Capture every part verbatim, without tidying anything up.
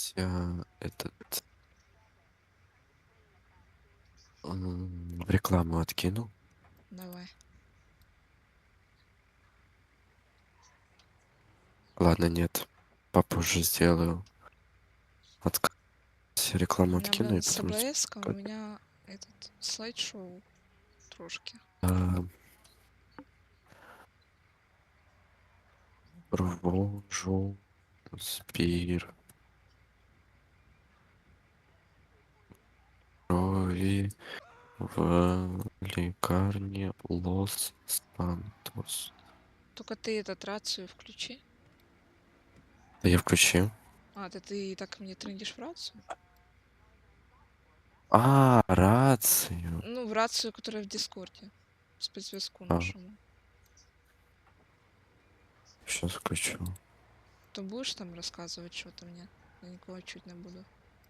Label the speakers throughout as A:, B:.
A: я этот м, рекламу откину.
B: Давай.
A: Ладно, нет, попозже сделаю. Отк...
B: У
A: Рекламу
B: меня,
A: откину и
B: блин, с
A: потом... с-
B: АБС у
A: под-
B: меня этот слайд-шоу трошки.
A: а, Провожу збір крові в лікарні Лос Сантос.
B: Только ты этот рацию включи.
A: Та я включив.
B: А, ты, ты так мне трындишь в рацию?
A: А, рацію.
B: Ну, в рацию, которая в Дискорде. В спецзв'язку
A: А,
B: нашему.
A: сейчас включу.
B: То будешь там рассказывать что-то мне? Я никого чуть не буду.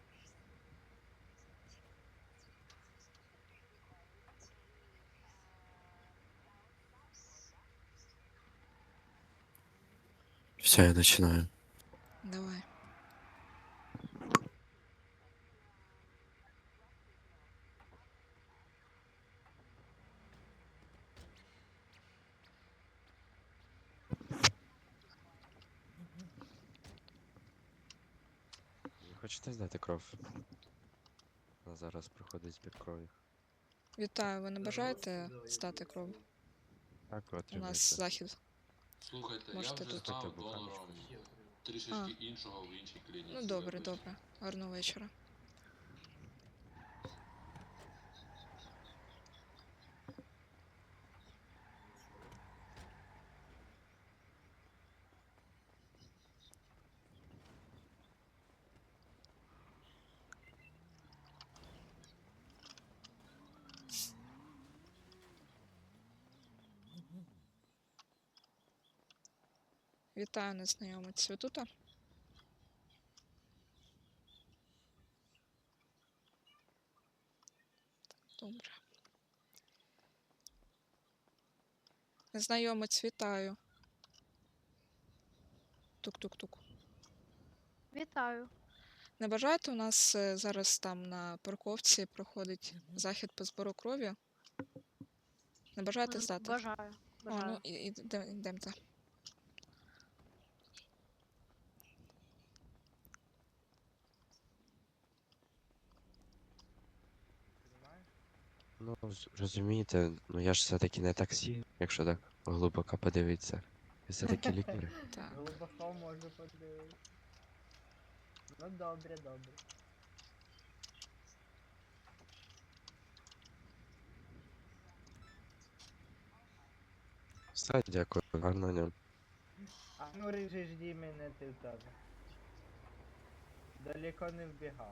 A: Все, я начинаю.
B: Давай.
A: Хочете здати кров? А зараз проходить збір крові.
B: Вітаю, ви не бажаєте здати кров?
A: Так, ви
B: У нас
A: отримаєте.
B: захід.
C: Слухайте, я
B: Можете
C: вже
B: тут.
C: став
A: Заходьте в
C: донором
A: буханочку.
C: трішечки іншого в іншій клініці.
B: Ну, добре,
C: вибачте.
B: добре. Гарного вечора. Вітаю, незнайомець. Ви тут? Добре. Незнайомець, вітаю. Тук-тук-тук.
D: Вітаю.
B: Не бажаєте, у нас е, зараз там на парковці проходить захід по збору крові? Не бажаєте
D: М,
B: здати?
D: Бажаю.
B: О,
D: Бажаю.
B: ну і- і- йдем- йдемте.
A: Ну, з- розумієте, ну я ж все-таки не таксі, якщо так глибоко подивитися. Я все-таки лікар.
B: Так.
E: Глибоко можу подивитися. Ну добре, добре.
A: Все, дякую, гарного дня.
E: А ну рижи, жди мене ти в тебе. Далеко не вбігай.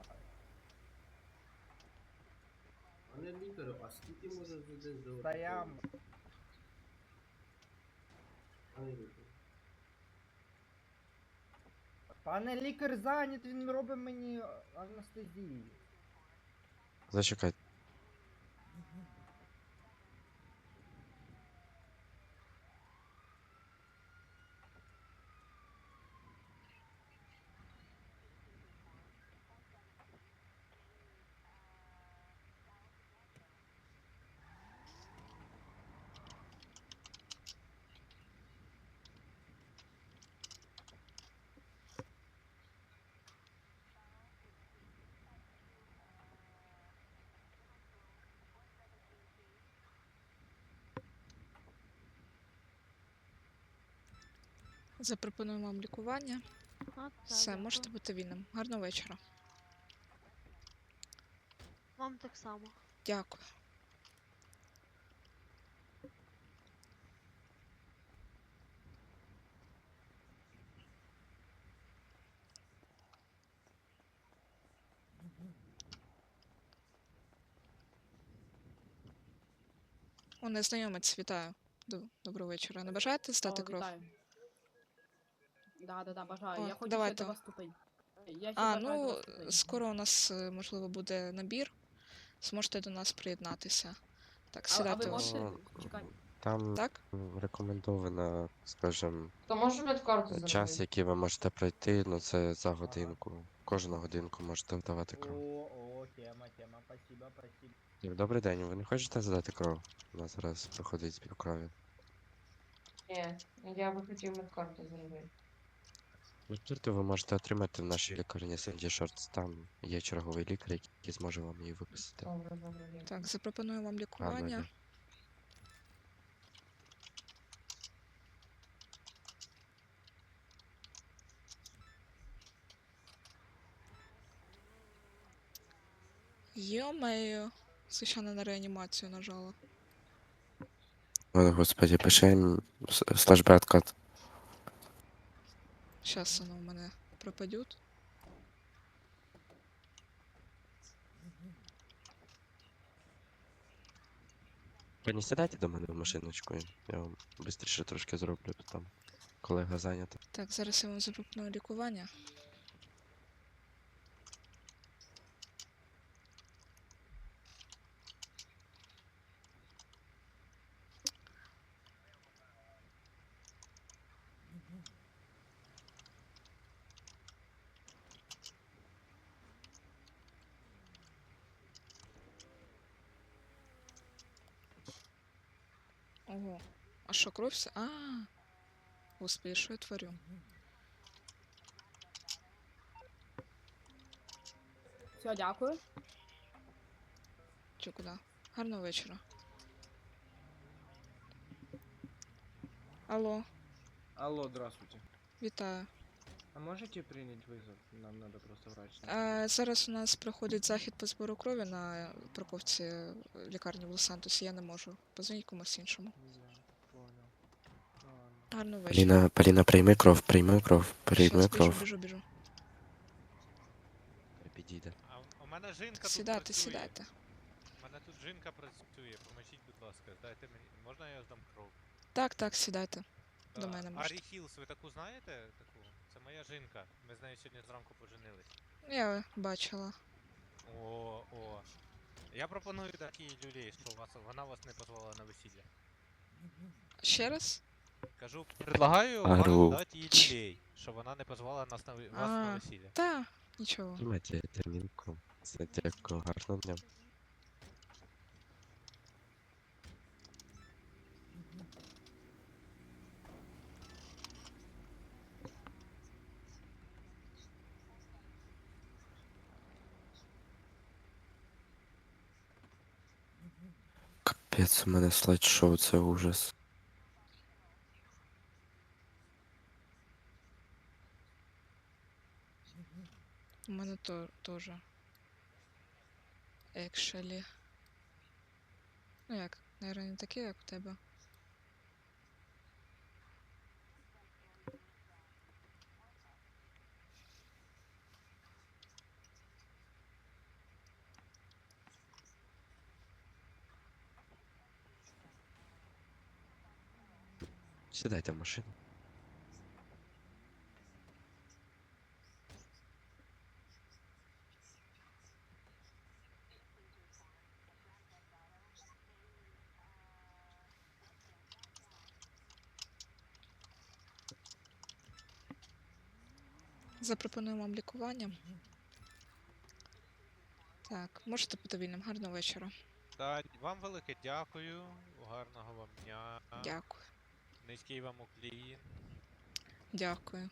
F: Пане лікарю, а скільки може за день здавати?
E: Стоям.
F: Пане лікарю.
E: Пане лікар зайнят, він робить мені анестезію.
A: Зачекайте.
B: Запропоную вам лікування.
D: А, так,
B: Все,
D: дякую.
B: можете бути вільним. Гарного вечора.
D: Вам так само.
B: Дякую. О, незнайомець, вітаю. Доб- Доброго вечора. Не бажаєте здати
G: О,
B: кров?
G: вітаю. Да, да, да, бажаю.
B: О,
G: Я хочу
B: давайте.
G: ще до вас вступити. Я ще
B: А,
G: бажаю до
B: ну,
G: вас вступити.
B: скоро у нас, е, можливо, буде набір. Зможете до нас приєднатися. Так,
G: А, а
B: сідайте
G: ви
B: ось.
G: можете
A: Ну,
G: чекати?
A: Там
B: Так?
A: м, рекомендовано, скажімо,
H: То може блядь, карту
A: час,
H: закрити?
A: який ви можете пройти, ну це за годинку. Кожну годинку можете здавати кров.
E: О, о, тема, тема, спасибо, спасибо.
A: Добрий день, ви не хочете здати кров? У нас зараз проходить збір крові.
H: Ні, я би хотів медкарту зробити.
A: Вірте, ви можете отримати в нашій лікарні Сенді Шортс. Там є черговий лікар, який зможе вам її виписати.
H: Добре, добре, дякую.
B: Так, запропоную вам
A: Гарного
B: лікування.
A: дня.
B: Йо-моє, звичайно на реанімацію нажала.
A: О, господи, пиши слажб откат.
B: Щас воно в мене пропадють.
A: Пані, сідайте до мене в машиночку, я вам швидше трошки зроблю, то там колега зайнята.
B: Так, зараз я вам запропоную лікування. Ого, а що, кров вся? А, господи, що я творю?
G: Все, дякую.
B: Чи куди? Гарного вечора. Алло,
I: Алло, здравствуйте.
B: вітаю.
I: А можете принять вызов? Нам надо просто врач.
B: Е, зараз у нас проходить захід по збору крові на парковці е, лікарні в Лос-Сантосі. Я не можу. Позвоніть комусь іншому.
I: Я понял. Ну ладно.
B: Гарного вечора.
A: Поліна, Поліна, прийми кров, прийми кров, прийми
B: Щас, біжу,
A: кров.
B: біжу, біжу.
A: Підійде.
J: А у мене жінка тут
B: Сідайте,
J: працює.
B: сідайте.
J: У мене тут жінка працює. Поможіть, будь ласка, дайте мені. Можна я здам кров?
B: Так, так, сідайте. До
J: А,
B: мене можете.
J: Арі Хілс, ви таку знаєте? Таку? Це моя жінка. Ми з нею сьогодні зранку поженились.
B: Я бачила.
J: О, о. Я пропоную такій люлі, що у вас вона вас не позвала на весілля.
B: Ще раз?
J: Кажу, предлагаю
A: Ару.
J: вам дати їй люлей, що вона не позвала нас на ви- вас на
B: А.
J: весілля.
B: Та, нічого.
A: Тримайте термінку. Це дякую, гарного дня. Капець, у мене слайд-шоу, це ужас.
B: У мене то теж. Екшелі. Ну як, наверное, не таке, як у тебе.
A: Сідайте в машину.
B: Запропоную вам лікування. Так, можете бути вільним. Гарного вечора.
J: Та вам велике дякую. Гарного вам дня.
B: Дякую.
J: Низький вам уклін.
B: Дякую.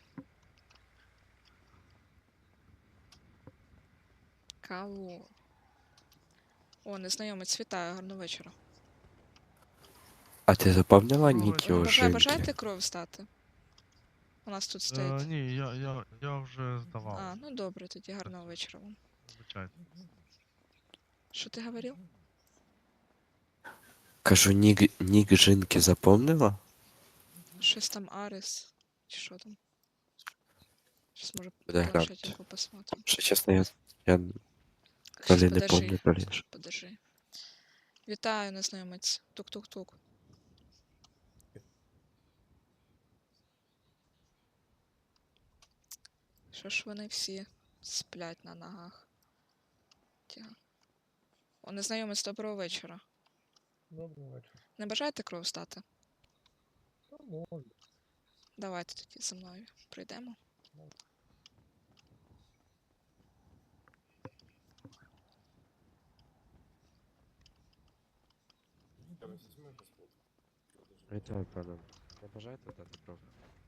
B: Каву. О, незнайомець, вітаю, гарного вечора.
A: А ти запам'ятала
K: Ой,
A: нік
K: да.
A: його
B: Бажа,
A: жінки?
B: бажаєте кров здати? У нас тут
K: Е,
B: стоїть.
K: ні, я, я, я вже здавав.
B: А, ну добре, тоді гарного вечора вам.
K: Вибачайте.
B: Що ти говорив?
A: Кажу, нік, нік жінки запомнила?
B: Щось там Арес. Чи що там? Щас може
A: Буде
B: по
A: грати.
B: планшетику посмотрим.
A: Що чесно, я, я
B: Щас,
A: то ли не
B: подожди,
A: помню, то ли що.
B: подожди. Вітаю, незнайомець. Тук-тук-тук. Що ж вони всі сплять на ногах? Тя. О, незнайомець, доброго вечора.
I: Доброго вечора.
B: Не бажаєте кров здати?
I: Та можна.
B: Давайте тоді зі мною прийдемо.
A: Вітаю, пане. Не бажаєте дати кров?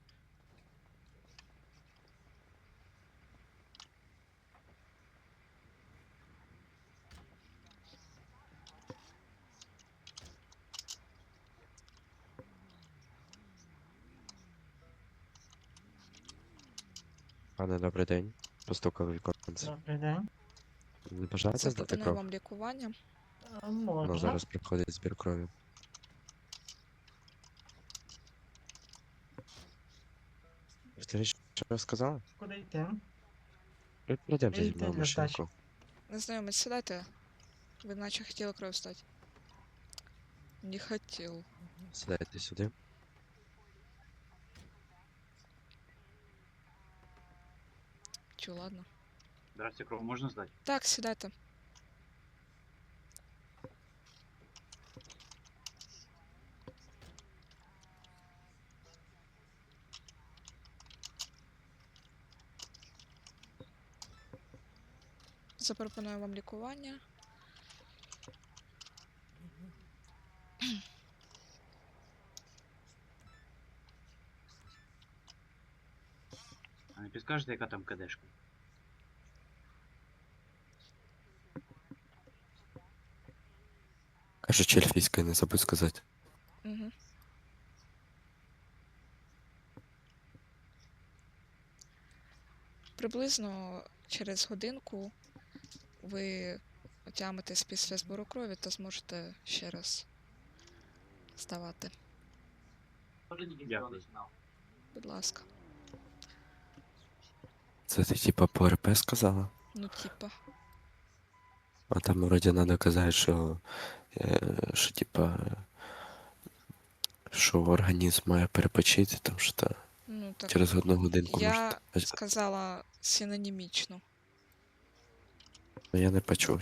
A: Пане, добрий день. Постукав віконце.
E: Добрий день.
A: Не бажаєте здати
B: Запропоную
A: кров?
B: вам лікування.
E: А,
A: Ну,
E: можна.
A: зараз приходить збір крові. Повторіть, що ви сказали?
E: Куди йти?
A: Ви прийдемте зі
E: Йдіть
A: мною в
E: для здачі.
A: машинку.
B: Незнайомець, сідайте. Ви наче хотіли кров здати. Не хотів.
A: Сідайте сюди.
B: Чу, ладно.
F: Здрасте, кров можна здати?
B: Так, сідайте. Запропоную вам лікування.
F: А не підскажете, яка там кадешка?
A: Кажучи ельфійською, не забудь сказати.
B: Угу. Приблизно через годинку ви отямитесь після збору крові та зможете ще раз здавати.
F: Дякую.
B: Будь ласка.
A: Це ти типа по РП сказала?
B: Ну, типа.
A: А там вроді надо казати, що, е, що типа, що організм має перепочити, там що то
B: Ну, так.
A: через одну годинку
B: Я
A: може.
B: сказала синонімічно.
A: Ну, я не почув.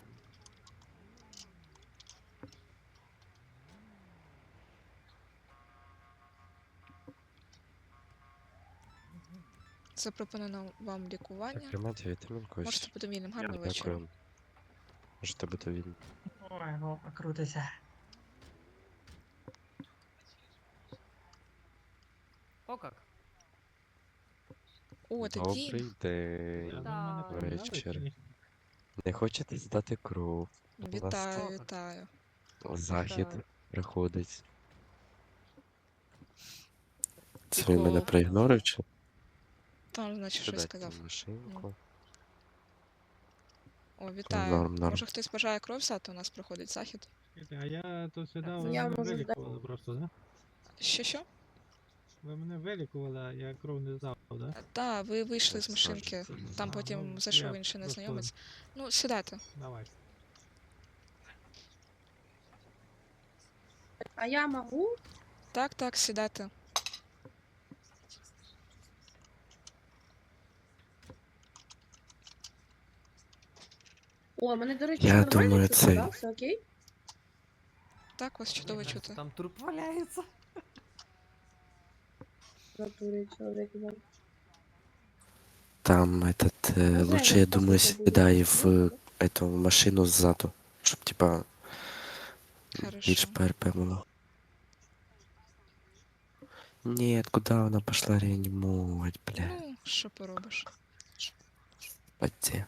B: Запропоную вам лікування.
A: Тримайте вітамінку.
B: Можете бути вільним. Гарного вечора.
A: Дякую. Можете бути вільні.
E: Ой, голова крутиться.
I: О как?
B: О, так
A: Добрий
B: Дім.
A: день.
G: Да.
A: Вечір. Не хочете здати кров?
B: Вітаю,
I: так.
B: вітаю.
A: Захід
I: Вітаю.
A: приходить. Це
B: Якого?
A: він мене проігнорив чи?
B: Там, значить, щось
A: Сідайте
B: сказав.
A: в машинку.
B: О, вітаю.
A: Норм, норм.
B: Може хтось бажає кров взяти? У нас проходить захід.
K: А я то сюди
G: Я
K: ви мене
G: можу
K: вилікували просто, да?
B: Що що?
K: Ви мене вилікували, а я кров не здав, да?
B: Так, ви вийшли з
A: Так
B: машинки. Там
K: А,
B: потім
K: ну,
B: зайшов
K: я
B: інший
K: просто-
B: незнайомець. Ну, сідайте.
K: Давай.
G: А я могу?
B: Так, так, сідайте.
G: О, мене, до речі,
A: Я
G: нормально
A: думаю,
G: чути,
A: цей-
G: да? Все окей?
B: Так, вас чудово чути.
I: Там труп валяється.
G: В натурі чоловік, да.
A: Там этот, э,
G: Ну,
A: лучше,
G: знаю,
A: я
G: просто
A: думаю,
G: забыла.
A: сідай в э, эту машину ззаду, щоб типа
B: Хорошо.
A: більш ПРП було. Нет, куда она пошла реанимовать, бля,
B: Ну, що поробиш?
A: потя.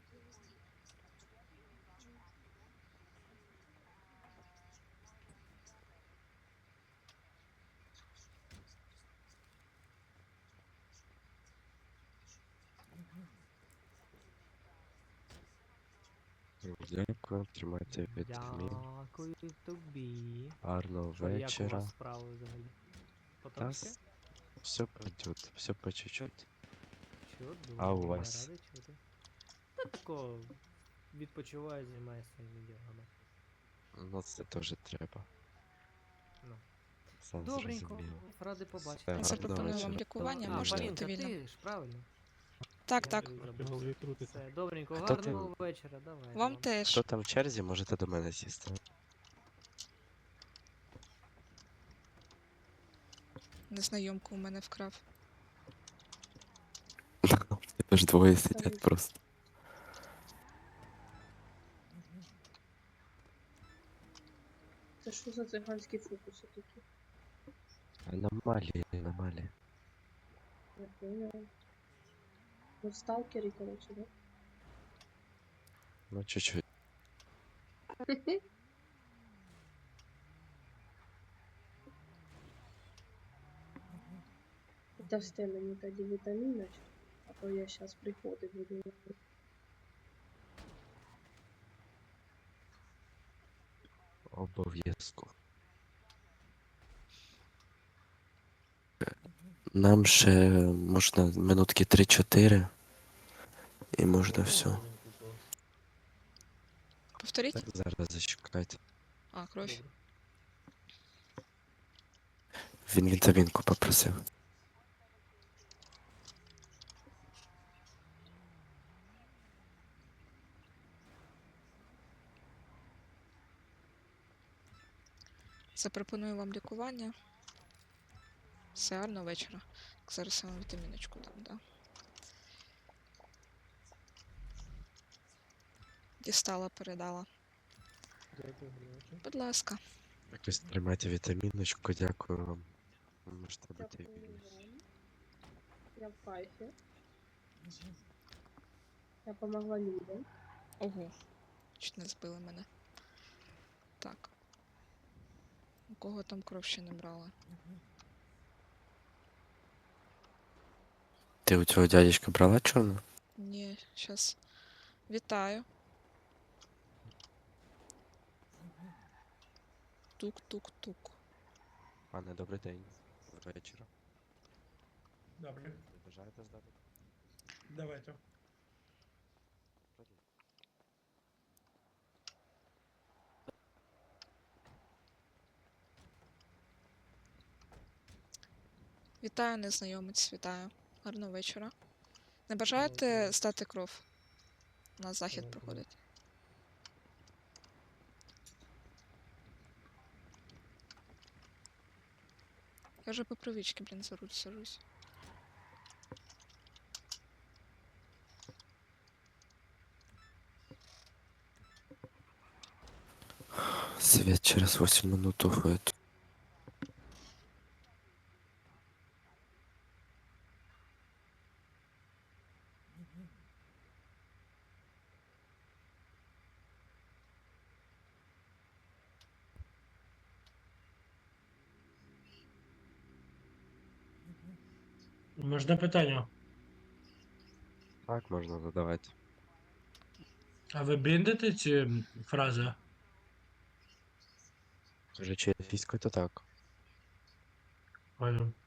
A: Дякую, тримайте вітамін.
I: Дякую тобі.
A: Гарного
I: Що, як у
A: вечора.
I: вас справи взагалі?
A: Та
I: Потрошки?
A: с- все пойдет, все по чуть-чуть.
I: Чудово,
A: А у
I: я
A: вас?
I: радий чути. Та тако, відпочиваю, займаюся своїми ділами.
A: Ну це теж треба.
I: Ну.
A: Сам
I: Добренько,
A: зрозумів.
I: радий побачити.
A: Все, гарного
B: Запропоную вам
A: вечора.
B: лікування,
I: А,
B: можете
I: Полінка,
B: бути вільним.
I: ти ж, правильно?
B: Так,
I: Я
B: так.
I: вже забув.
K: В голові крутиться.
I: Все, добренько,
A: Хто ти?
I: гарного вечора, давай.
B: Вам теж.
A: Хто там в черзі, можете до мене сісти.
B: Незнайомку у мене вкрав.
A: Тебе ж двоє сидять просто.
G: Це що за циганські фокуси такі?
A: Аномалії, аномалії.
G: Я поняла. Вот сталкери, короче, да?
A: Ну, чуть-чуть.
G: Дасте мені тоді вітаміночку, а то я зараз приходи буду робити.
A: Обов'язково. Нам ще можна минутки три-чотири. І можна все.
B: Повторіть?
A: Так, зараз зачекайте.
B: А, кров.
A: Він вітамінку попросив.
B: Запропоную вам лікування. Все, гарного вечора. Зараз я вам вітаміночку дам, да. Дістала, передала.
K: Дякую, Григорій.
B: Будь ласка.
A: Якось тримайте вітаміночку, дякую вам. Ви можете бути
G: Дякую
A: вільні.
G: вам. Я в кайфі. Я помогла людям.
B: Ого. Чуть не збили мене. Так. У кого там кров ще не брали?
A: Ти у цього дядечка брала чорну?
B: Ні, щас. Вітаю. Тук-тук-тук.
A: Пане, добрий день. Доброго вечора.
K: Добре,
A: Ви бажаєте здати?
K: давайте.
B: Вітаю, незнайомець, вітаю. Гарного вечора. Не бажаєте здати кров? У нас захід
K: Добре.
B: проходить. Я вже по привичці, блін, за руль сажусь.
A: Свет через восемь минут уходит.
K: Можна питання?
A: Так, можна задавати.
K: А ви біндите ці фрази?
A: Кажучи фіською, то так.
K: Понял.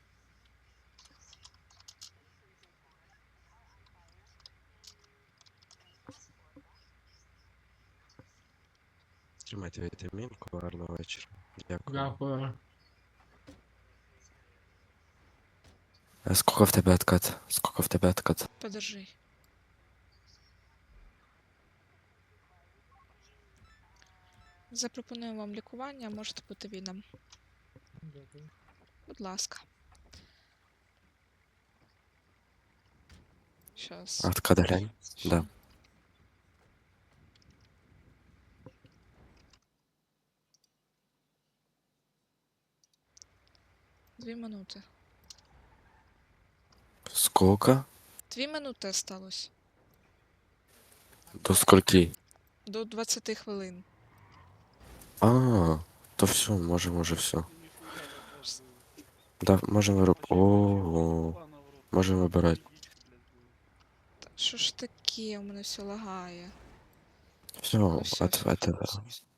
A: Тримайте вітамінку, гарного вечора. Дякую.
K: Дякую.
A: А сколько в тебе откат? Сколько в тебе откат?
B: Подержи. Запропоную вам лікування, можете бути вільним.
K: Дякую.
B: Будь ласка. Щас.
A: Откат глянь? Да.
B: Дві минути.
A: Сколько?
B: Дві минути осталось.
A: До скольки?
B: До двадцяти хвилин.
A: А, то все, можем уже все. Да, можем выруб. О, можем вибирати.
B: Та що ж таке, у мене все лагає.
A: Все,
B: Ну, всё,
A: от
B: всё.
A: этого.